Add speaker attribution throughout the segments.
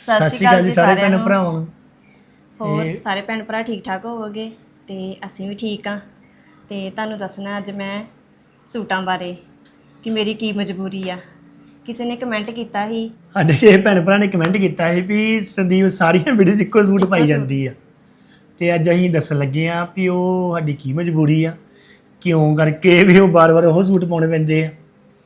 Speaker 1: ਸਤਿ ਸ਼੍ਰੀ ਅਕਾਲ ਜੀ ਸਾਰੇ ਭੈਣ ਭਰਾਵਾਂ ਨੂੰ।
Speaker 2: ਹੋਰ ਸਾਰੇ ਭੈਣ ਭਰਾ ਠੀਕ ਠਾਕ ਹੋਵੋਗੇ ਤੇ ਅਸੀਂ ਵੀ ਠੀਕ ਆ। ਤੇ ਤੁਹਾਨੂੰ ਦੱਸਣਾ ਅੱਜ ਮੈਂ ਸੂਟਾਂ ਬਾਰੇ ਕਿ ਮੇਰੀ ਕੀ ਮਜਬੂਰੀ ਆ। ਕਿਸੇ ਨੇ ਕਮੈਂਟ ਕੀਤਾ ਸੀ
Speaker 1: ਸਾਡੇ ਇਹ ਭੈਣ ਭਰਾ ਨੇ ਕਮੈਂਟ ਕੀਤਾ ਸੀ ਵੀ ਸੰਦੀਪ ਸਾਰੀਆਂ ਵੀਡੀਓ 'ਚ ਇੱਕੋ ਸੂਟ ਪਾਈ ਜਾਂਦੀ ਆ, ਤੇ ਅੱਜ ਅਸੀਂ ਦੱਸਣ ਲੱਗੇ ਆ ਵੀ ਉਹ ਸਾਡੀ ਕੀ ਮਜਬੂਰੀ ਆ, ਕਿਉਂ ਕਰਕੇ ਵੀ ਉਹ ਬਾਰ-ਬਾਰ ਉਹ ਸੂਟ ਪਾਉਣੇ ਪੈਂਦੇ ਆ।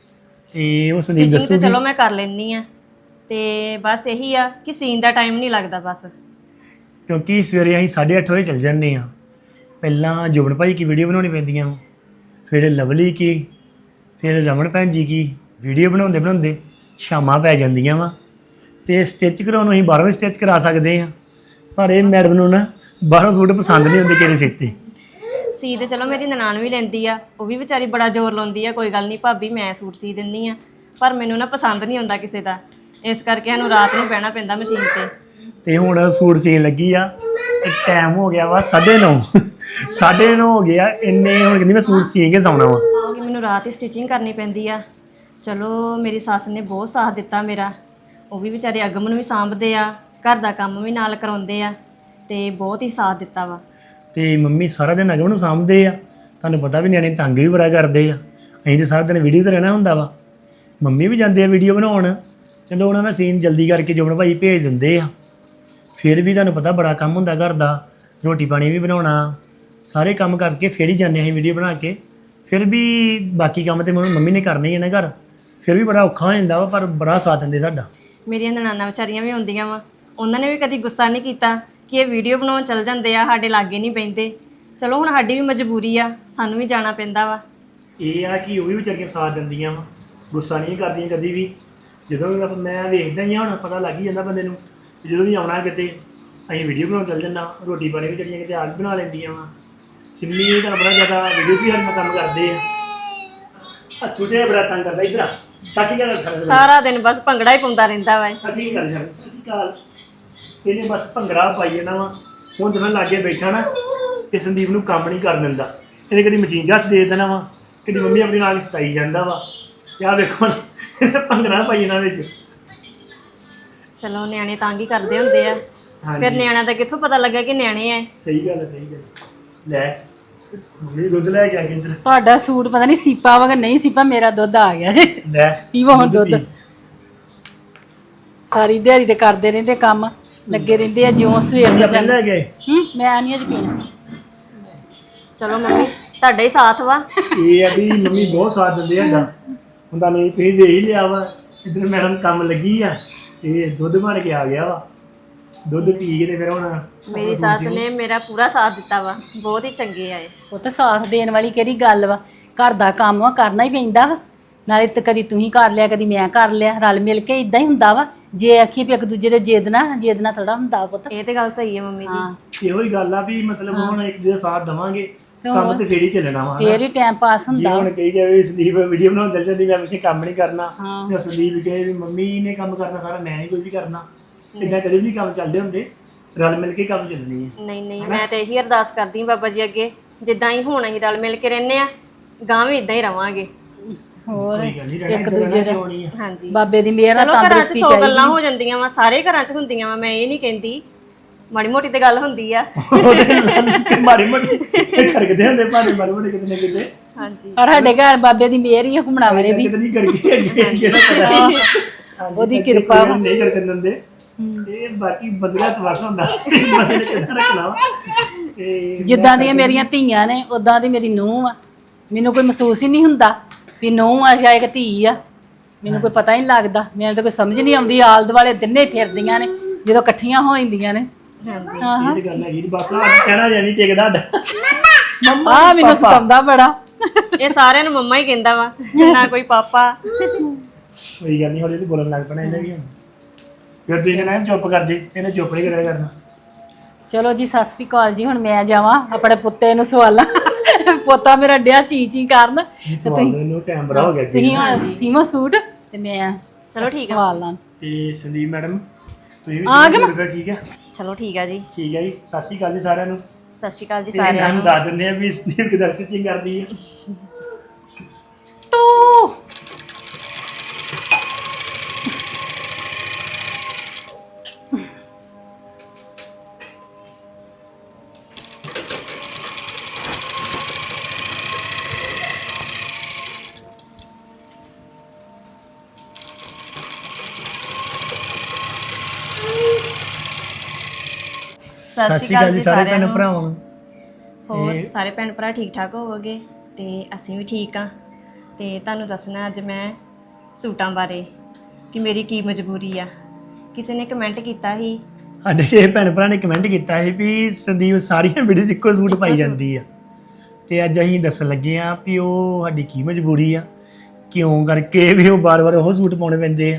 Speaker 1: ਤੇ ਉਹ ਸੰਦੀਪ
Speaker 2: ਸਟਿਚਿੰਗ ਤਾਂ
Speaker 1: ਦੱਸੂਗੀ।
Speaker 2: ਚਲੋ ਮੈਂ ਕਰ ਲੈਂਦੀ ਆ, ਤੇ ਬਸ ਇਹੀ ਆ ਕਿ ਸੀਨ ਦਾ ਟਾਈਮ ਨਹੀਂ ਲੱਗਦਾ ਬਸ।
Speaker 1: ਕਿਉਂਕਿ ਸਵੇਰੇ ਅਸੀਂ 8:30 ਵਜੇ ਚੱਲ ਜਾਂਦੇ ਆ। ਪਹਿਲਾਂ ਜੁਬਨ ਭਾਈ ਕੀ ਵੀਡੀਓ ਬਣਾਉਣੀ ਪੈਂਦੀਆਂ ਵਾ, ਫਿਰ ਲਵਲੀ ਕੀ, ਫਿਰ ਰਮਨ ਭੈਣ ਜੀ ਕੀ ਵੀਡੀਓ ਬਣਾਉਂਦੇ ਬਣਾਉਂਦੇ ਸ਼ਾਮਾਂ ਪੈ ਜਾਂਦੀਆਂ ਵਾ। ਤੇ ਸਟਿਚ ਕਰਾਉਣ ਨੂੰ ਅਸੀਂ ਬਾਹਰੋਂ ਵੀ ਸਟਿਚ ਕਰਾ ਸਕਦੇ ਆ, ਪਰ ਇਹ ਮੈਡਮ ਨੂੰ ਨਾ ਬਾਹਰੋਂ ਸੂਟ ਪਸੰਦ ਨਹੀਂ ਹੁੰਦੇ ਕਿਸੇ ਸੀਤੇ।
Speaker 2: ਸੀ ਤੇ ਚਲੋ ਮੇਰੀ ਨਨਾਣ ਵੀ ਲੈਂਦੀ ਆ, ਉਹ ਵੀ ਵਿਚਾਰੀ ਬੜਾ ਜ਼ੋਰ ਲਾਉਂਦੀ ਆ, ਕੋਈ ਗੱਲ ਨਹੀਂ ਭਾਬੀ ਮੈਂ ਸੂਟ ਸੀ ਦਿੰਦੀ ਆ, ਪਰ ਮੈਨੂੰ ਨਾ ਪਸੰਦ ਨਹੀਂ ਆਉਂਦਾ ਕਿਸੇ ਦਾ, ਇਸ ਕਰਕੇ ਸਾਨੂੰ ਰਾਤ ਨੂੰ ਬਹਿਣਾ ਪੈਂਦਾ ਮਸ਼ੀਨ ਤੇ।
Speaker 1: ਤੇ ਹੁਣ ਸੂਟ ਸੀਨ ਲੱਗੀ ਆ ਤੇ ਟਾਈਮ ਹੋ ਗਿਆ ਵਾ 9:30 9:30 ਹੋ ਗਿਆ। ਇੰਨੇ ਹੁਣ ਕਹਿੰਦੀ ਮੈਂ ਸੂਟ ਸੀ ਕੇ ਸੌਣਾ ਵਾ।
Speaker 2: ਕਿ ਮੈਨੂੰ ਰਾਤ ਹੀ ਸਟਿਚਿੰਗ ਕਰਨੀ ਪੈਂਦੀ ਆ। ਚਲੋ ਮੇਰੀ ਸੱਸ ਨੇ ਬਹੁਤ ਸਾਥ ਦਿੱਤਾ ਮੇਰਾ, ਉਹ ਵੀ ਵਿਚਾਰੇ ਅਗਮ ਨੂੰ ਵੀ ਸਾਂਭਦੇ ਆ, ਘਰ ਦਾ ਕੰਮ ਵੀ ਨਾਲ ਕਰਾਉਂਦੇ ਆ, ਤੇ ਬਹੁਤ ਹੀ ਸਾਥ ਦਿੱਤਾ ਵਾ।
Speaker 1: ਤੇ ਮੰਮੀ ਸਾਰਾ ਦਿਨ ਅਗਮ ਨੂੰ ਸਾਂਭਦੇ ਆ। ਤੁਹਾਨੂੰ ਪਤਾ ਵੀ ਨਿਆਣੇ ਤੰਗ ਵੀ ਬੜਾ ਕਰਦੇ ਆ, ਅਸੀਂ ਤਾਂ ਸਾਰਾ ਦਿਨ ਵੀਡੀਓ ਤੇ ਰਹਿਣਾ ਹੁੰਦਾ ਵਾ। ਮੰਮੀ ਵੀ ਜਾਂਦੇ ਆ ਵੀਡੀਓ ਬਣਾਉਣ, ਚਲੋ ਉਹਨਾਂ ਦਾ ਸੀਨ ਜਲਦੀ ਕਰਕੇ ਜੁਬਨ ਭਾਈ ਭੇਜ ਦਿੰਦੇ ਆ। ਫਿਰ ਵੀ ਤੁਹਾਨੂੰ ਪਤਾ ਬੜਾ ਕੰਮ ਹੁੰਦਾ ਘਰ ਦਾ, ਰੋਟੀ ਪਾਣੀ ਵੀ ਬਣਾਉਣਾ, ਸਾਰੇ ਕੰਮ ਕਰਕੇ ਫਿਰ ਹੀ ਜਾਂਦੇ ਅਸੀਂ ਵੀਡੀਓ ਬਣਾ ਕੇ। ਫਿਰ ਵੀ ਬਾਕੀ ਕੰਮ ਤੇ ਮੰਮੀ ਨੇ ਕਰਨੇ ਹੀ ਆ ਨਾ ਘਰ, ਫਿਰ ਵੀ ਬੜਾ ਔਖਾ ਹੋ ਜਾਂਦਾ ਵਾ, ਪਰ ਬੜਾ ਸਾਥ ਦਿੰਦੇ ਸਾਡਾ।
Speaker 2: ਮੇਰੀਆਂ ਨਨਾਣਾ ਵਿਚਾਰੀਆਂ ਵੀ ਹੁੰਦੀਆਂ ਵਾ, ਉਹਨਾਂ ਨੇ ਵੀ ਕਦੀ ਗੁੱਸਾ ਨਹੀਂ ਕੀਤਾ ਕਿ ਇਹ ਵੀਡੀਓ ਬਣਾਉਣ ਚੱਲ ਜਾਂਦੇ ਆ, ਸਾਡੇ ਲਾਗੇ ਨਹੀਂ ਬਹਿੰਦੇ। ਚਲੋ ਹੁਣ ਸਾਡੀ ਵੀ ਮਜਬੂਰੀ ਆ, ਸਾਨੂੰ ਵੀ ਜਾਣਾ ਪੈਂਦਾ ਵਾ।
Speaker 1: ਇਹ ਆ ਕਿ ਉਹ ਵੀ ਵਿਚਾਰੀਆਂ ਸਾਥ ਦਿੰਦੀਆਂ ਵਾ, ਗੁੱਸਾ ਨਹੀਂ ਕਰਦੀਆਂ ਕਦੀ ਵੀ। ਜਦੋਂ ਵੀ ਮੈਂ ਵੇਖਦਾ ਹੀ ਆ, ਹੁਣ ਪਤਾ ਲੱਗ ਹੀ ਜਾਂਦਾ ਬੰਦੇ ਨੂੰ, ਜਦੋਂ ਵੀ ਆਉਣਾ ਕਿਤੇ ਅਸੀਂ ਵੀਡੀਓ ਬਣਾਉਣ ਚੱਲ ਜਾਂਦਾ। ਰੋਟੀ ਪਾਣੀ ਵੀ ਜਿਹੜੀਆਂ ਕਿਤੇ ਆਪ ਬਣਾ ਲੈਂਦੀਆਂ ਵਾ। ਸਿੰਮੀ ਤੁਹਾਨੂੰ ਬੜਾ ਜ਼ਿਆਦਾ ਵੀਡੀਓ ਵੀ ਹਰ ਕੰਮ ਕਰਦੇ ਆ। ਛੋਟੇ ਬੜਾ ਤੰਗ ਕਰਦਾ। ਇੱਧਰ ਆ ਸਾਸੀ ਗੱਲ
Speaker 2: ਸਾਰਾ ਦਿਨ ਬਸ ਭੰਗੜਾ ਹੀ ਪਾਉਂਦਾ ਰਹਿੰਦਾ ਵਾ।
Speaker 1: ਅਸੀਂ ਗੱਲ ਛੱਡ ਅਸੀਂ ਕਾਲ ਇਹਨੇ ਬਸ ਭੰਗੜਾ ਪਾਈ ਜਾਂਦਾ ਵਾ। ਹੁਣ ਜਦੋਂ ਮੈਂ ਲਾਗੇ ਬੈਠਾ ਨਾ ਤੇ ਸੰਦੀਪ ਨੂੰ ਕੰਮ ਨਹੀਂ ਕਰਨ ਦਿੰਦਾ। ਇਹਨੇ ਕਦੀ ਮਸ਼ੀਨ 'ਚ ਹੱਥ ਦੇ ਦੇਣਾ ਵਾ, ਕਦੀ ਮੰਮੀ ਆਪਣੀ ਨਾਲ ਸਤਾਈ ਜਾਂਦਾ ਵਾ। ਤੇ ਆਹ ਵੇਖੋ ਭੰਗੜਾ ਪਾਈ ਇਹਨਾਂ ਵਿੱਚ।
Speaker 2: ਚਲੋ ਨਿਆਣੇ ਤੰਗ ਹੀ ਕਰਦੇ ਹੁੰਦੇ ਆ, ਫਿਰ ਨਿਆਣਿਆਂ ਦਾ ਕਿੱਥੋਂ ਪਤਾ ਲੱਗਾ ਕਿ ਨਿਆਣੇ ਆ।
Speaker 1: ਸਹੀ ਗੱਲ ਹੈ, ਸਹੀ ਗੱਲ। ਲੈ ਮੰਮੀ ਦੁੱਧ ਲੈ ਕੇ ਆ ਗਈ ਇੱਧਰ।
Speaker 3: ਤੁਹਾਡਾ ਸੂਟ ਪਤਾ ਨਹੀਂ ਸੀਪਾ ਵਾ ਕਿ ਨਹੀਂ ਸੀਪਾ, ਮੇਰਾ ਦੁੱਧ ਆ ਗਿਆ।
Speaker 1: ਲੈ
Speaker 3: ਪੀਵੋ ਹੁਣ ਦੁੱਧ। ਸਾਰੀ ਦਿਹਾੜੀ ਤੇ ਕਰਦੇ ਰਹਿੰਦੇ, ਕੰਮ ਲੱਗੇ ਰਹਿੰਦੇ ਆ, ਜਿਉਂ ਸਵੇਰ ਦੇ
Speaker 1: ਲੈ ਲੈ ਗਏ।
Speaker 3: ਮੈਂ ਨਹੀਂ ਅੱਜ ਪੀਣਾ।
Speaker 2: ਚਲੋ ਮੰਮੀ ਤੁਹਾਡਾ ਹੀ ਸਾਥ ਵਾ।
Speaker 1: ਇਹ ਆ ਵੀ ਮੰਮੀ ਬਹੁਤ ਸਾਥ ਦਿੰਦੇ ਹੈਗਾ। ਹੁੰਦਾ ਨਹੀਂ ਤੁਸੀਂ ਵੇਖ ਹੀ ਲਿਆ ਵਾ, ਇੱਧਰ ਮੈਡਮ ਕੰਮ ਲੱਗੀ ਆ ਤੇ ਦੁੱਧ ਬਣ ਕੇ ਆ ਗਿਆ ਵਾ। ਦੁੱਧ ਪੀ ਕੇ ਤੇ ਫਿਰ ਹੁਣ
Speaker 2: ਮੇਰੀ ਸੱਸ ਨੇ ਮੇਰਾ ਪੂਰਾ ਸਾਥ ਦਿੱਤਾ ਵਾ, ਬਹੁਤ ਹੀ ਚੰਗੇ ਆਏ।
Speaker 3: ਉਹ ਤਾਂ ਸਾਥ ਦੇਣ ਵਾਲੀ ਕਿਹੜੀ ਗੱਲ ਵਾ, ਘਰ ਦਾ ਕੰਮ ਆ ਕਰਨਾ ਹੀ ਪੈਂਦਾ ਵਾ। ਨਾਲੇ ਤੇ ਕਦੀ ਤੁਸੀਂ ਕਰ ਲਿਆ, ਕਦੀ ਮੈਂ ਕਰ ਲਿਆ, ਰਲ ਮਿਲ ਕੇ ਇਦਾਂ ਹੀ ਹੁੰਦਾ ਵਾ। ਜੇ ਆਖੀ ਵੀ ਇੱਕ ਦੂਜੇ ਦੇ ਜਿੱਦ ਨਾ ਥੋੜਾ ਹੁੰਦਾ ਪੁੱਤ।
Speaker 2: ਇਹ ਤੇ ਗੱਲ ਸਹੀ ਹੈ ਮੰਮੀ ਜੀ।
Speaker 1: ਇਹੋ ਹੀ ਗੱਲ ਆ ਵੀ ਮਤਲਬ ਹੁਣ ਇੱਕ ਦੂਜੇ ਦਾ ਸਾਥ ਦੇਵਾਂਗੇ, ਕੰਮ ਤੇ ਫੇਰ ਹੀ ਚੱਲਣਾ ਵਾ।
Speaker 3: ਫੇਰ ਹੀ ਟਾਈਮ ਪਾਸ ਹੁੰਦਾ।
Speaker 1: ਹੁਣ ਕਹੀ ਜਾਵੇ ਸੰਦੀਪ ਵੀਡੀਓ ਬਣਾਉਣ ਚੱਲ ਜਾਂਦੀ, ਮੈਂ ਪਿੱਛੇ ਕੰਮ ਨਹੀਂ ਕਰਨਾ, ਜਾਂ ਸੰਦੀਪ ਕਹੇ ਵੀ ਮੰਮੀ ਨੇ ਕੰਮ ਕਰਨਾ ਸਾਰਾ, ਮੈਂ ਨਹੀਂ ਕੋਈ ਵੀ ਕਰਨਾ। ਇਦਾਂ ਕਦੇ ਵੀ ਨਹੀਂ ਕੰਮ ਚੱਲਦੇ ਹੁੰਦੇ, ਰਲ ਮਿਲ ਕੇ ਕੰਮ ਚੱਲਣੀ ਹੈ।
Speaker 2: ਨਹੀਂ ਮੈਂ ਤੇ ਇਹੀ ਅਰਦਾਸ ਕਰਦੀ ਹਾਂ ਬਾਬਾ ਜੀ ਅੱਗੇ, ਜਿੱਦਾਂ ਹੀ ਹੁਣ ਅਸੀਂ ਰਲ ਮਿਲ ਕੇ ਰਹਿੰਦੇ ਆ, ਗਾਂ ਵੀ ਇਦਾਂ ਹੀ ਰਵਾਂਗੇ।
Speaker 3: ਹੋਰ
Speaker 1: ਇੱਕ ਦੂਜੇ ਦੇ
Speaker 2: ਹਾਂਜੀ
Speaker 3: ਬਾਬੇ ਦੀ ਮਿਹਰ ਨਾਲ
Speaker 2: ਚਲੋ ਘਰਾਂ 'ਚ
Speaker 3: ਤੰਦਰੁਸਤੀ
Speaker 2: 100 ਗੱਲਾਂ ਹੋ ਜਾਂਦੀਆਂ ਵਾ, ਸਾਰੇ ਘਰਾਂ 'ਚ ਹੁੰਦੀਆਂ ਵਾ, ਮੈਂ ਇਹ ਨਹੀਂ ਕਹਿੰਦੀ, ਮਾੜੀ ਮੋਟੀ ਤੇ ਗੱਲ ਹੁੰਦੀ ਆ।
Speaker 1: ਮਾੜੀ ਮੋਟੀ ਖੜਕਦੇ ਹੁੰਦੇ ਭਾਵੇਂ ਮਾੜੀ ਮੋਟੀ ਕਿਤੇ ਨਾ ਕਿਤੇ।
Speaker 2: ਹਾਂਜੀ
Speaker 3: ਪਰ ਸਾਡੇ ਘਰ ਬਾਬੇ ਦੀ ਮਿਹਰ ਹੀ ਆ, ਘੁੰਮਣਾ ਵਾਲੇ ਦੀ।
Speaker 1: ਕਿਤੇ ਨਹੀਂ ਕਰਕੇ ਅੱਗੇ ਦਾ ਪਤਾ
Speaker 3: ਉਹਦੀ ਕਿਰਪਾ ਵਾ।
Speaker 1: ਨਹੀਂ ਕਰਕੇ ਦਿੰਦੇ। ਇਹ ਬਾਕੀ ਬੰਦਿਆਂ ਤੋਂ ਵਸ ਹੁੰਦਾ, ਬੰਦੇ ਨੇ ਕਿੱਦਾਂ ਰੱਖਣਾ ਵਾ। ਤੇ
Speaker 3: ਜਿੱਦਾਂ ਦੀਆਂ ਮੇਰੀਆਂ ਧੀਆਂ ਨੇ ਉਦਾਂ ਦੀ ਮੇਰੀ ਨੂੰਹ ਆ। ਮੈਨੂੰ ਕੋਈ ਮਹਿਸੂਸ ਹੀ ਨਹੀਂ ਹੁੰਦਾ ਵੀ ਨੂੰਹ ਆ ਜਾਂ ਇੱਕ ਧੀ ਆ, ਮੈਨੂੰ ਕੋਈ ਪਤਾ ਹੀ ਨਹੀਂ ਲੱਗਦਾ। ਮੈਨੂੰ ਤਾਂ ਕੋਈ ਸਮਝ ਨਹੀਂ ਆਉਂਦੀ, ਆਲ ਦੁਆਲੇ ਦਿਨੇ ਫਿਰਦੀਆਂ ਨੇ ਜਦੋਂ ਇਕੱਠੀਆਂ ਹੋ ਜਾਂਦੀਆਂ ਨੇ।
Speaker 2: ਹਾਂਜੀ
Speaker 1: ਇਹ ਤੇ ਗੱਲ ਹੈਗੀ, ਬਸ ਅੱਜ ਕਹਿਣਾ ਜਾਂ ਨਹੀਂ ਟਿਕਦਾ
Speaker 3: ਮੰਮਾ ਮੈਨੂੰ ਸਤਾਉਂਦਾ ਬੜਾ।
Speaker 2: ਇਹ ਸਾਰਿਆਂ ਨੂੰ ਮੰਮਾ ਹੀ ਕਹਿੰਦਾ ਵਾ, ਨਾ ਕੋਈ ਪਾਪਾ।
Speaker 1: ਕੋਈ ਗੱਲ ਨਹੀਂ, ਹੌਲੀ ਹੌਲੀ ਬੋਲਣ ਲੱਗ ਪੈਣਾ ਇਹਨੇ ਵੀ। ਹੁਣ ਫਿਰ ਤੁਸੀਂ ਕਹਿਣਾ ਚੁੱਪ ਕਰ ਜੇ, ਇਹਨੇ ਚੁੱਪ ਨਹੀਂ ਕਰਿਆ ਕਰਨਾ।
Speaker 3: ਚਲੋ ਜੀ ਸਤਿ ਸ੍ਰੀ ਅਕਾਲ ਜੀ। ਹੁਣ ਮੈਂ ਜਾਵਾਂ ਆਪਣੇ ਪੁੱਤੇ ਨੂੰ ਸਵਾਲਾਂ। ਪੋਤਾ ਮੇਰਾ ਡਿਆ ਚੀ ਕਰਨ।
Speaker 1: ਇਹਨੂੰ ਟਾਈਮ ਬੜਾ ਹੋ ਗਿਆ
Speaker 3: ਤੁਸੀਂ ਹੁਣ ਸੀਮਾ ਸੂਟ ਤੇ ਮੈਂ
Speaker 2: ਚਲੋ ਠੀਕ ਆ।
Speaker 3: ਸਵਾਲ ਲਾਂ।
Speaker 1: ਤੇ ਸੰਦੀਪ ਮੈਡਮ ਤੁਸੀਂ ਵੀ
Speaker 3: ਆ ਗਏ?
Speaker 1: ਠੀਕ ਹੈ,
Speaker 2: ਚਲੋ ਠੀਕ ਆ ਜੀ।
Speaker 1: ਠੀਕ ਹੈ ਜੀ। ਸਤਿ ਸ਼੍ਰੀ ਅਕਾਲ ਜੀ ਸਾਰਿਆਂ ਨੂੰ।
Speaker 2: ਸਤਿ ਸ਼੍ਰੀ ਅਕਾਲ ਜੀ
Speaker 1: ਸਾਰਿਆਂ
Speaker 2: ਸਾਰਿਆਂ
Speaker 1: ਨੂੰ
Speaker 2: ਨੂੰ।
Speaker 1: ਦੱਸ ਦਿੰਦੇ ਆ ਵੀ ਸੰਦੀਪ ਕਿਦਾਂ ਸਟਿਚਿੰਗ ਕਰਦੀ ਹੈ। ਸਤਿ ਸ਼੍ਰੀ ਅਕਾਲ ਜੀ ਸਾਰੇ ਭੈਣ ਭਰਾਵਾਂ ਨੂੰ।
Speaker 2: ਹੋਰ ਸਾਰੇ ਭੈਣ ਭਰਾ ਠੀਕ ਠਾਕ ਹੋਵੋਗੇ ਤੇ ਅਸੀਂ ਵੀ ਠੀਕ ਆ। ਤੇ ਤੁਹਾਨੂੰ ਦੱਸਣਾ ਅੱਜ ਮੈਂ ਸੂਟਾਂ ਬਾਰੇ ਕਿ ਮੇਰੀ ਕੀ ਮਜਬੂਰੀ ਆ। ਕਿਸੇ ਨੇ ਕਮੈਂਟ ਕੀਤਾ ਸੀ
Speaker 1: ਸਾਡੇ ਇਹ ਭੈਣ ਭਰਾ ਨੇ ਕਮੈਂਟ ਕੀਤਾ ਸੀ ਵੀ ਸੰਦੀਪ ਸਾਰੀਆਂ ਵੀਡੀਓ 'ਚ ਇੱਕੋ ਸੂਟ ਪਾਈ ਜਾਂਦੀ ਆ, ਤੇ ਅੱਜ ਅਸੀਂ ਦੱਸਣ ਲੱਗੇ ਆ ਵੀ ਉਹ ਸਾਡੀ ਕੀ ਮਜਬੂਰੀ ਆ, ਕਿਉਂ ਕਰਕੇ ਵੀ ਉਹ ਬਾਰ-ਬਾਰ ਉਹ ਸੂਟ ਪਾਉਣੇ ਪੈਂਦੇ ਆ।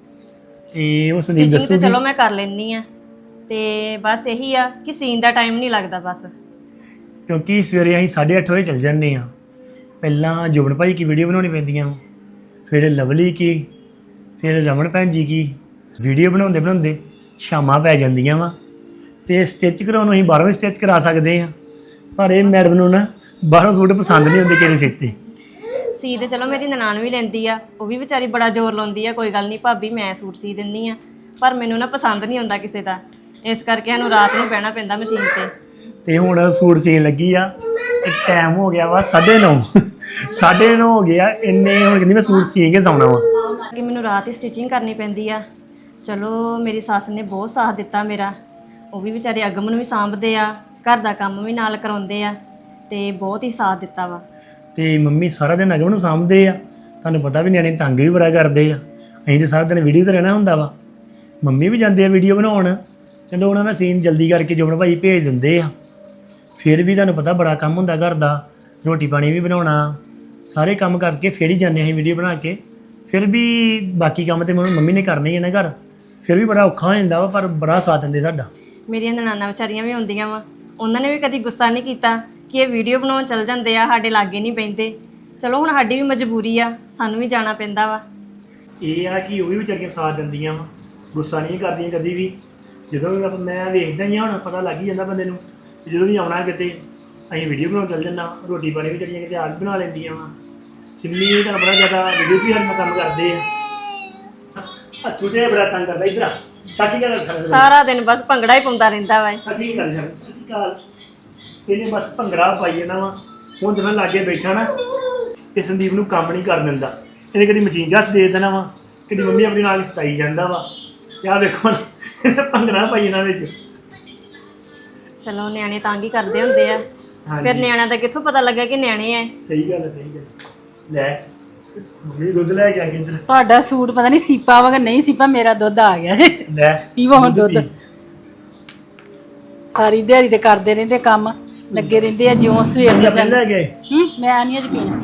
Speaker 1: ਤੇ ਉਹ ਸੰਦੀਪ
Speaker 2: ਸਟਿਚਿੰਗ ਤੇ
Speaker 1: ਦੱਸੂਗੀ।
Speaker 2: ਚਲੋ ਮੈਂ ਕਰ ਲੈਂਦੀ ਆ ਤੇ ਬਸ ਇਹੀ ਆ ਕਿ ਸੀਨ ਦਾ ਟਾਈਮ ਨਹੀਂ ਲੱਗਦਾ ਬਸ।
Speaker 1: ਕਿਉਂਕਿ ਸਵੇਰੇ ਅਸੀਂ 8:30 ਵਜੇ ਚੱਲ ਜਾਂਦੇ ਆ। ਪਹਿਲਾਂ ਜੁਬਨ ਭਾਈ ਕੀ ਵੀਡੀਓ ਬਣਾਉਣੀ ਪੈਂਦੀਆਂ, ਫਿਰ ਲਵਲੀ ਕੀ, ਫਿਰ ਰਮਨ ਭੈਣ ਜੀ ਕੀ ਵੀਡੀਓ ਬਣਾਉਂਦੇ ਬਣਾਉਂਦੇ ਸ਼ਾਮਾਂ ਪੈ ਜਾਂਦੀਆਂ ਵਾ। ਤੇ ਸਟਿਚ ਕਰਾਉਣ ਨੂੰ ਅਸੀਂ ਬਾਹਰੋਂ ਵੀ ਸਟਿਚ ਕਰਾ ਸਕਦੇ ਆ, ਪਰ ਇਹ ਮੈਡਮ ਨੂੰ ਨਾ ਬਾਹਰੋਂ ਸੂਟ ਪਸੰਦ ਨਹੀਂ ਹੁੰਦੇ ਕਿਸੇ ਸਿੱਤੇ।
Speaker 2: ਸੀ ਤੇ ਚਲੋ ਮੇਰੀ ਨਨਾਣ ਵੀ ਲੈਂਦੀ ਆ, ਉਹ ਵੀ ਵਿਚਾਰੀ ਬੜਾ ਜ਼ੋਰ ਲਾਉਂਦੀ ਆ, ਕੋਈ ਗੱਲ ਨਹੀਂ ਭਾਬੀ ਮੈਂ ਸੂਟ ਸੀ ਦਿੰਦੀ ਆ, ਪਰ ਮੈਨੂੰ ਨਾ ਪਸੰਦ ਨਹੀਂ ਹੁੰਦਾ ਕਿਸੇ ਦਾ, ਇਸ ਕਰਕੇ ਸਾਨੂੰ ਰਾਤ ਨੂੰ ਬਹਿਣਾ ਪੈਂਦਾ ਮਸ਼ੀਨ ਤੇ।
Speaker 1: ਤੇ ਹੁਣ ਸੂਟ ਸੀਨ ਲੱਗੀ ਆ ਤੇ ਟਾਈਮ ਹੋ ਗਿਆ ਵਾ 9:30 9:30 ਹੋ ਗਿਆ। ਇੰਨੇ ਹੁਣ ਕਹਿੰਦੀ ਮੈਂ ਸੂਟ ਸੀ ਕੇ ਸੌਣਾ ਵਾ।
Speaker 2: ਕਿ ਮੈਨੂੰ ਰਾਤ ਹੀ ਸਟਿਚਿੰਗ ਕਰਨੀ ਪੈਂਦੀ ਆ। ਚਲੋ ਮੇਰੀ ਸੱਸ ਨੇ ਬਹੁਤ ਸਾਥ ਦਿੱਤਾ ਮੇਰਾ, ਉਹ ਵੀ ਵਿਚਾਰੇ ਅਗਮ ਨੂੰ ਵੀ ਸਾਂਭਦੇ ਆ, ਘਰ ਦਾ ਕੰਮ ਵੀ ਨਾਲ ਕਰਾਉਂਦੇ ਆ, ਤੇ ਬਹੁਤ ਹੀ ਸਾਥ ਦਿੱਤਾ ਵਾ।
Speaker 1: ਤੇ ਮੰਮੀ ਸਾਰਾ ਦਿਨ ਅਗਮ ਨੂੰ ਸਾਂਭਦੇ ਆ। ਤੁਹਾਨੂੰ ਪਤਾ ਵੀ ਨਿਆਣੇ ਤੰਗ ਵੀ ਬੜਾ ਕਰਦੇ ਆ। ਅਸੀਂ ਤੇ ਸਾਰਾ ਦਿਨ ਵੀਡੀਓ ਤੇ ਰਹਿਣਾ ਹੁੰਦਾ ਵਾ। ਮੰਮੀ ਵੀ ਜਾਂਦੇ ਆ ਵੀਡੀਓ ਬਣਾਉਣ, ਚਲੋ ਉਹਨਾਂ ਦਾ ਸੀਨ ਜਲਦੀ ਕਰਕੇ ਜੁਬਨ ਭਾਈ ਭੇਜ ਦਿੰਦੇ ਆ। ਫਿਰ ਵੀ ਤੁਹਾਨੂੰ ਪਤਾ ਬੜਾ ਕੰਮ ਹੁੰਦਾ ਘਰ ਦਾ, ਰੋਟੀ ਪਾਣੀ ਵੀ ਬਣਾਉਣਾ, ਸਾਰੇ ਕੰਮ ਕਰਕੇ ਫਿਰ ਹੀ ਜਾਂਦੇ ਅਸੀਂ ਵੀਡੀਓ ਬਣਾ ਕੇ। ਫਿਰ ਵੀ ਬਾਕੀ ਕੰਮ ਤੇ ਮੰਮੀ ਨੇ ਕਰਨੇ ਹੀ ਆ ਨਾ ਘਰ, ਫਿਰ ਵੀ ਬੜਾ ਔਖਾ ਹੋ ਜਾਂਦਾ ਵਾ, ਪਰ ਬੜਾ ਸਾਥ ਦਿੰਦੇ ਸਾਡਾ।
Speaker 2: ਮੇਰੀਆਂ ਨਨਾਣਾ ਵਿਚਾਰੀਆਂ ਵੀ ਹੁੰਦੀਆਂ ਵਾ, ਉਹਨਾਂ ਨੇ ਵੀ ਕਦੀ ਗੁੱਸਾ ਨਹੀਂ ਕੀਤਾ ਕਿ ਇਹ ਵੀਡੀਓ ਬਣਾਉਣ ਚੱਲ ਜਾਂਦੇ ਆ, ਸਾਡੇ ਲਾਗੇ ਨਹੀਂ ਪੈਂਦੇ। ਚਲੋ ਹੁਣ ਸਾਡੀ ਵੀ ਮਜਬੂਰੀ ਆ, ਸਾਨੂੰ ਵੀ ਜਾਣਾ ਪੈਂਦਾ ਵਾ।
Speaker 1: ਇਹ ਆ ਕਿ ਉਹ ਵੀ ਵਿਚਾਰੀਆਂ ਸਾਥ ਦਿੰਦੀਆਂ ਵਾ, ਗੁੱਸਾ ਨਹੀਂ ਕਰਦੀਆਂ ਕਦੀ ਵੀ। ਜਦੋਂ ਵੀ ਮੈਂ ਵੇਖਦਾ ਹੀ ਆ, ਹੁਣ ਪਤਾ ਲੱਗ ਹੀ ਜਾਂਦਾ ਬੰਦੇ ਨੂੰ, ਜਦੋਂ ਵੀ ਆਉਣਾ ਕਿਤੇ ਅਸੀਂ ਵੀਡੀਓ ਬਣਾਉਣ ਚੱਲ ਜੰਨਾ। ਰੋਟੀ ਪਾਣੀ ਵੀ ਚੜੀਆਂ ਕਿਤੇ ਆਪ ਬਣਾ ਲੈਂਦੀਆਂ ਵਾ। ਸਿੰਮੀ ਤੁਹਾਨੂੰ ਬੜਾ ਜ਼ਿਆਦਾ ਵੀਡੀਓ ਵੀ ਸਾਡੇ ਨਾਲ ਕੰਮ ਕਰਦੇ ਆ। ਛੋਟੇ ਬੜਾ ਤੰਗ ਕਰਦਾ। ਇੱਧਰ ਆ ਸਾਸੀ ਗੱਲ
Speaker 2: ਸਾਰਾ ਦਿਨ ਬਸ ਭੰਗੜਾ ਹੀ ਪਾਉਂਦਾ ਰਹਿੰਦਾ ਵਾ।
Speaker 1: ਸਾਸੀ ਗੱਲ ਸਾਸੀ ਕਾਲ ਇਹਨੇ ਬਸ ਭੰਗੜਾ ਪਾਈ ਜਾਂਦਾ ਵਾ। ਹੁਣ ਜਦੋਂ ਮੈਂ ਲਾਗੇ ਬੈਠਾ ਨਾ ਤੇ ਸੰਦੀਪ ਨੂੰ ਕੰਮ ਨਹੀਂ ਕਰਨ ਦਿੰਦਾ। ਇਹਨੇ ਕਦੀ ਮਸ਼ੀਨ 'ਚ ਹੱਥ ਦੇ ਦੇਣਾ ਵਾ, ਕਦੀ ਮੰਮੀ ਆਪਣੀ ਨਾਲ ਸਤਾਈ ਜਾਂਦਾ ਵਾ। ਤੇ ਆਹ ਵੇਖੋ ਇਹਨੇ ਭੰਗੜਾ ਪਾਈ ਇਹਨਾਂ ਵਿੱਚ।
Speaker 2: ਚਲੋ ਨਿਆਣੇ ਤੰਗ ਹੀ ਕਰਦੇ ਹੁੰਦੇ ਆ, ਫਿਰ ਨਿਆਣਿਆਂ ਦਾ ਕਿੱਥੋਂ ਪਤਾ ਲੱਗਾ ਕਿ ਨਿਆਣੇ ਆ।
Speaker 1: ਸਹੀ ਗੱਲ ਹੈ, ਸਹੀ ਗੱਲ। ਲੈ ਮੰਮੀ ਦੁੱਧ ਲੈ ਕੇ ਆ ਕੇ ਇੱਧਰ।
Speaker 3: ਤੁਹਾਡਾ ਸੂਟ ਪਤਾ ਨਹੀਂ ਸੀਪਾ ਵਾ ਕਿ ਨਹੀਂ ਸੀਪਾ, ਮੇਰਾ ਦੁੱਧ ਆ ਗਿਆ।
Speaker 1: ਲੈ
Speaker 3: ਪੀਵੋ ਹੁਣ ਦੁੱਧ। ਸਾਰੀ ਦਿਹਾੜੀ ਤੇ ਕਰਦੇ ਰਹਿੰਦੇ ਕੰਮ, ਲੱਗੇ ਰਹਿੰਦੇ ਆ ਜਿਉਂ ਸਵੇਰ ਦੇ
Speaker 1: ਆਪਣੇ ਲੈ ਗਏ।
Speaker 3: ਮੈਂ ਨਹੀਂ ਅੱਜ ਪੀਣਾ।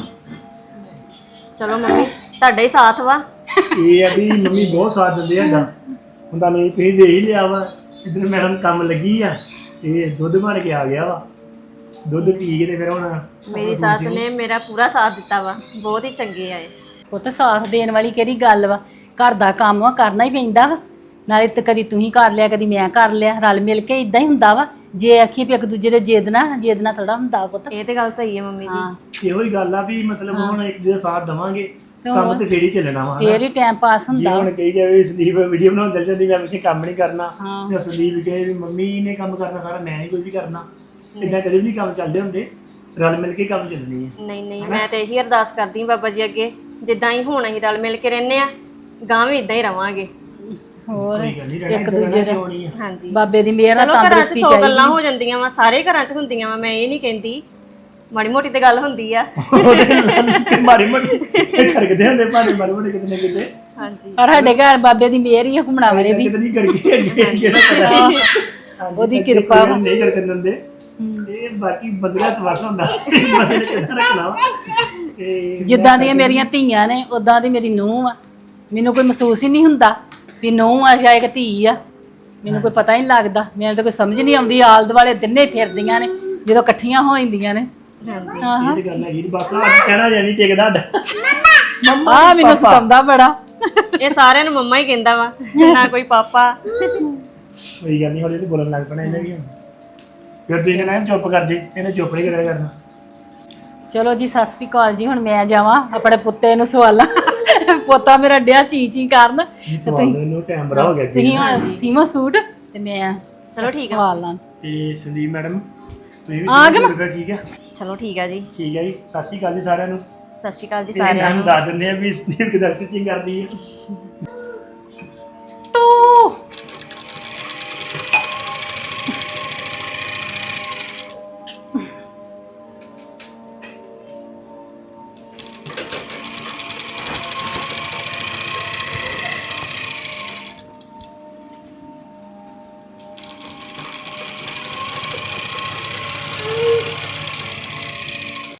Speaker 2: ਚਲੋ ਮੰਮੀ ਤੁਹਾਡਾ ਹੀ ਸਾਥ ਵਾ।
Speaker 1: ਇਹ ਆ ਵੀ ਮੰਮੀ ਬਹੁਤ ਸਾਥ ਦਿੰਦੇ ਹੈਗਾ। ਹੁਣ ਤਾਂ ਨਹੀਂ ਤੁਸੀਂ ਵੇਖ ਹੀ ਲਿਆ ਵਾ, ਇੱਧਰ ਮੈਡਮ ਕੰਮ ਲੱਗੀ ਆ ਤੇ ਦੁੱਧ ਬਣ ਕੇ ਆ ਗਿਆ ਵਾ। ਦੁੱਧ ਪੀ ਕੇ ਤੇ ਫਿਰ ਹੁਣ
Speaker 2: ਮੇਰੀ ਸੱਸ ਨੇ ਮੇਰਾ ਪੂਰਾ ਸਾਥ ਦਿੱਤਾ ਵਾ, ਬਹੁਤ ਹੀ ਚੰਗੇ ਆਏ।
Speaker 3: ਪੁੱਤ ਸਾਥ ਦੇਣ ਵਾਲੀ ਕਿਹੜੀ ਗੱਲ ਵਾ, ਘਰ ਦਾ ਕੰਮ ਆ ਕਰਨਾ ਹੀ ਪੈਂਦਾ ਵਾ। ਨਾਲੇ ਤੇ ਕਦੀ ਤੂੰ ਹੀ ਕਰ ਲਿਆ, ਕਦੀ ਮੈਂ ਕਰ ਲਿਆ, ਰਲ ਮਿਲ ਕੇ ਇਦਾਂ ਹੀ ਹੁੰਦਾ ਵਾ। ਜੇ ਆਖੀ ਵੀ ਇੱਕ ਦੂਜੇ ਦੇ ਜਿੱਦ ਨਾ ਥੋੜਾ ਹੁੰਦਾ ਪੁੱਤ।
Speaker 2: ਇਹ ਤੇ ਗੱਲ ਸਹੀ ਹੈ ਮੰਮੀ ਜੀ।
Speaker 1: ਇਹੋ ਹੀ ਗੱਲ ਆ ਵੀ ਮਤਲਬ ਹੁਣ ਇੱਕ ਦੂਜੇ ਦਾ ਸਾਥ ਦੇਵਾਂਗੇ, ਕੰਮ ਤੇ ਫੇਰ ਹੀ ਚੱਲਣਾ ਵਾ।
Speaker 3: ਫੇਰ ਹੀ ਟਾਈਮ ਪਾਸ ਹੁੰਦਾ।
Speaker 1: ਹੁਣ ਕਹੀ ਜਾਵੇ ਸੰਦੀਪ ਵੀਡੀਓ ਬਣਾਉਣ ਚੱਲ ਜਾਂਦੀ, ਮੈਂ ਪਿੱਛੇ ਕੰਮ ਨਹੀਂ ਕਰਨਾ, ਜਾਂ ਸੰਦੀਪ ਕਹੇ ਵੀ ਮੰਮੀ ਨੇ ਕੰਮ ਕਰਨਾ ਸਾਰਾ, ਮੈਂ ਨਹੀਂ ਕੋਈ ਵੀ ਕਰਨਾ। ਇਦਾਂ ਕਦੇ ਵੀ ਨਹੀਂ ਕੰਮ ਚੱਲਦੇ ਹੁੰਦੇ, ਰਲ ਮਿਲ ਕੇ ਕੰਮ ਚੱਲਣੀ ਹੈ।
Speaker 2: ਨਹੀਂ ਮੈਂ ਤੇ ਇਹੀ ਅਰਦਾਸ ਕਰਦੀ ਹਾਂ ਬਾਬਾ ਜੀ ਅੱਗੇ, ਜਿੱਦਾਂ ਹੀ ਹੁਣ ਅਸੀਂ ਰਲ ਮਿਲ ਕੇ ਰਹਿੰਦੇ ਆ, ਗਾਂ ਵੀ ਇਦਾਂ ਹੀ ਰਵਾਂਗੇ।
Speaker 3: ਹੋਰ
Speaker 1: ਇੱਕ ਦੂਜੇ ਦੇ
Speaker 2: ਹਾਂਜੀ
Speaker 3: ਬਾਬੇ ਦੀ ਮਿਹਰ ਨਾਲ
Speaker 2: ਚਲੋ ਘਰਾਂ 'ਚ
Speaker 3: ਤੰਦਰੁਸਤੀ
Speaker 2: 100 ਗੱਲਾਂ ਹੋ ਜਾਂਦੀਆਂ ਵਾ, ਸਾਰੇ ਘਰਾਂ 'ਚ ਹੁੰਦੀਆਂ ਵਾ, ਮੈਂ ਇਹ ਨਹੀਂ ਕਹਿੰਦੀ, ਮਾੜੀ ਮੋਟੀ ਤੇ ਗੱਲ ਹੁੰਦੀ ਆ।
Speaker 1: ਮਾੜੀ ਮੋਟੀ ਖੜਕਦੇ ਹੁੰਦੇ ਭਾਵੇਂ ਮਾੜੀ ਮੋਟੀ ਕਿਤੇ ਨਾ ਕਿਤੇ।
Speaker 2: ਹਾਂਜੀ
Speaker 3: ਪਰ ਸਾਡੇ ਘਰ ਬਾਬੇ ਦੀ ਮਿਹਰ ਹੀ ਆ ਘੁੰਮਣਾ ਵਾਲੇ ਦੀ।
Speaker 1: ਕਿਤੇ ਨਹੀਂ ਕਰਕੇ ਅੱਗੇ ਦਾ ਪਤਾ
Speaker 3: ਉਹਦੀ ਕਿਰਪਾ ਵਾ।
Speaker 1: ਨਹੀਂ ਕਰਕੇ ਦਿੰਦੇ। ਇਹ ਬਾਕੀ ਬੰਦਿਆਂ ਦਾ ਤਵਾਸਾ ਹੁੰਦਾ, ਬੰਦੇ ਨੇ ਕਿੱਦਾਂ ਰੱਖਣਾ ਵਾ।
Speaker 3: ਜਿੱਦਾਂ ਦੀਆਂ ਮੇਰੀਆਂ ਧੀਆਂ ਨੇ ਉਦਾਂ ਦੀ ਮੇਰੀ ਨੂੰਹ ਆ। ਮੈਨੂੰ ਕੋਈ ਮਹਿਸੂਸ ਹੀ ਨਹੀਂ ਹੁੰਦਾ ਵੀ ਨੂੰਹ ਆ ਜਾਂ ਇੱਕ ਧੀ ਆ। ਮੈਨੂੰ ਕੋਈ ਪਤਾ ਹੀ ਨਹੀਂ ਲੱਗਦਾ, ਮੈਨੂੰ ਤਾਂ ਕੋਈ ਸਮਝ ਨਹੀਂ ਆਉਂਦੀ। ਆਲ ਦੁਆਲੇ ਦਿਨੇ ਫਿਰਦੀਆਂ ਨੇ ਜਦੋਂ ਇਕੱਠੀਆਂ ਹੋ ਜਾਂਦੀਆਂ ਨੇ।
Speaker 2: ਹਾਂਜੀ
Speaker 1: ਇਹ ਤੇ ਗੱਲ ਹੈਗੀ, ਬਸ ਅੱਜ ਕਹਿਣਾ ਜਾਂ ਨਹੀਂ ਟਿਕਦਾ ਸਾਡਾ।
Speaker 3: ਆ ਮੈਨੂੰ ਸਤਾਉਂਦਾ ਬੜਾ।
Speaker 2: ਇਹ ਸਾਰਿਆਂ ਨੂੰ ਮੰਮਾ ਹੀ ਕਹਿੰਦਾ ਵਾ, ਨਾ ਕੋਈ ਪਾਪਾ।
Speaker 1: ਕੋਈ ਗੱਲ ਨਹੀਂ, ਹੌਲੀ ਹੌਲੀ ਬੋਲਣ ਲੱਗ ਪੈਣਾ ਇਹਨੇ ਵੀ। ਫਿਰ ਤੁਸੀਂ ਕਹਿਣਾ ਚੁੱਪ ਕਰ ਜੇ, ਇਹਨੇ ਚੁੱਪ ਨਹੀਂ ਕਰਿਆ ਕਰਨਾ।
Speaker 3: ਚਲੋ ਜੀ ਸਤਿ ਸ੍ਰੀ ਅਕਾਲ ਜੀ। ਹੁਣ ਮੈਂ ਜਾਵਾਂ ਆਪਣੇ ਪੁੱਤੇ ਨੂੰ ਸਵਾਲਾਂ। ਪੋਤਾ ਮੇਰਾ ਡਿਆ ਚੀ ਕਰਨ।
Speaker 1: ਇਹਨੂੰ ਟਾਈਮ ਬੜਾ ਹੋ ਗਿਆ।
Speaker 3: ਤੁਸੀਂ ਹੁਣ ਸੀਮਾ ਸੂਟ ਤੇ ਮੈਂ
Speaker 2: ਚਲੋ ਠੀਕ ਆ।
Speaker 3: ਸਵਾਲ ਲਾਂ।
Speaker 1: ਤੇ ਸੰਦੀਪ ਮੈਡਮ ਤੁਸੀਂ ਵੀ
Speaker 3: ਆ ਗਏ?
Speaker 1: ਠੀਕ ਹੈ,
Speaker 2: ਚਲੋ ਠੀਕ ਆ ਜੀ।
Speaker 1: ਠੀਕ ਹੈ ਜੀ। ਸਤਿ ਸ਼੍ਰੀ ਅਕਾਲ ਜੀ ਸਾਰਿਆਂ ਨੂੰ।
Speaker 2: ਸਤਿ ਸ਼੍ਰੀ ਅਕਾਲ ਜੀ
Speaker 1: ਸਾਰਿਆਂ
Speaker 2: ਸਾਰਿਆਂ
Speaker 1: ਨੂੰ
Speaker 2: ਨੂੰ।
Speaker 1: ਦੱਸ ਦਿੰਦੇ ਆ ਵੀ ਸੰਦੀਪ ਕਿਦਾਂ ਸਟਿਚਿੰਗ ਕਰਦੀ ਹੈ।